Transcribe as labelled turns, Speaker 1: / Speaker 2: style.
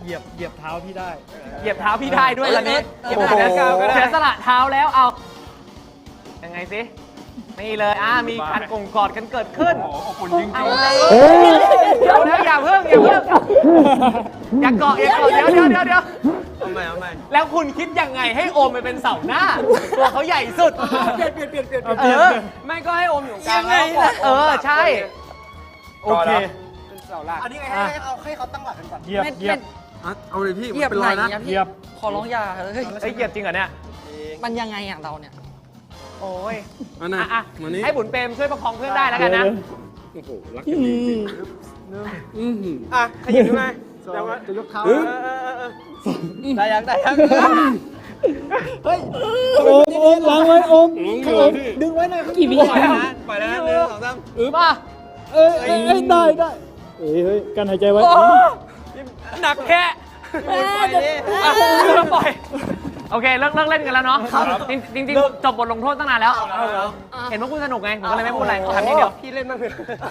Speaker 1: เหยียบเท้าพี่ได้
Speaker 2: เหยียบเท้าพี่ได้ด้วยตอนนี้
Speaker 3: เหยียบเท้าก้าวก็ได้
Speaker 2: เสียสละเท้าแล้วเอายังไงสินี่เลยมีการกงกอดกันเกิดขึ้น
Speaker 3: โอ้โหอบอุ่นจริง
Speaker 2: เอา
Speaker 3: ๆ
Speaker 2: เดี๋ยวอย่าเพิ่งอย่าเกาะเดี๋ยว
Speaker 3: เอาใหม่
Speaker 2: แล้วคุณคิดยังไงให้โอมไปเป็นเสาหน้า ตัวเขาใหญ่สุด
Speaker 3: เปลี่ยน
Speaker 2: ไม่ก็ให้โอมอยู่กลางแล้วกอดใช่โอเค
Speaker 3: เป็นเสาหลัก
Speaker 1: อันนี้ไงให้เขาตั้งหลักกันก่อนเหยียบ
Speaker 3: เอาเลยพี่
Speaker 4: เหยียบ
Speaker 3: เป็น
Speaker 4: ไห
Speaker 3: ร
Speaker 4: น
Speaker 3: อยนะ
Speaker 4: อะ
Speaker 1: เห
Speaker 4: พี่
Speaker 1: ยียบ
Speaker 4: ขอร้องอย่าเฮ้ย
Speaker 2: เฮ้ยเหยียบจริงเหรอเนี่ย
Speaker 4: มันยังไงอย่างเราเนี่ย
Speaker 2: โอ้ย
Speaker 3: มานะ
Speaker 2: อ่ะ
Speaker 3: มานี่
Speaker 2: ให้บุญเปรมช่วยประคองเพื่อนได้แล้วกันนะ
Speaker 3: โอ้โหรักกันจริงๆขยับขึ้นมาแต่ว่า
Speaker 1: จะยกเท้า
Speaker 3: ได้ยัง
Speaker 1: เฮ้ยโอมล้างไว้โอมดึงไว้หน่อย
Speaker 4: กี่วิ
Speaker 3: ปล่อยแล้วนะ1 2 3
Speaker 2: มา
Speaker 1: ได้เฮ้ยกันหายใจไว้
Speaker 2: หนักแค่ปล่อยโอเคเลิกเล่นกันแล้วเนาะจริงจบบทลงโทษตั้งนานแล้ว เห็นว่าคุณสนุกไงผมก็เลยไม่พูดอะไรทำนิดเดียว
Speaker 3: พี่เล่นบ้างเถอะ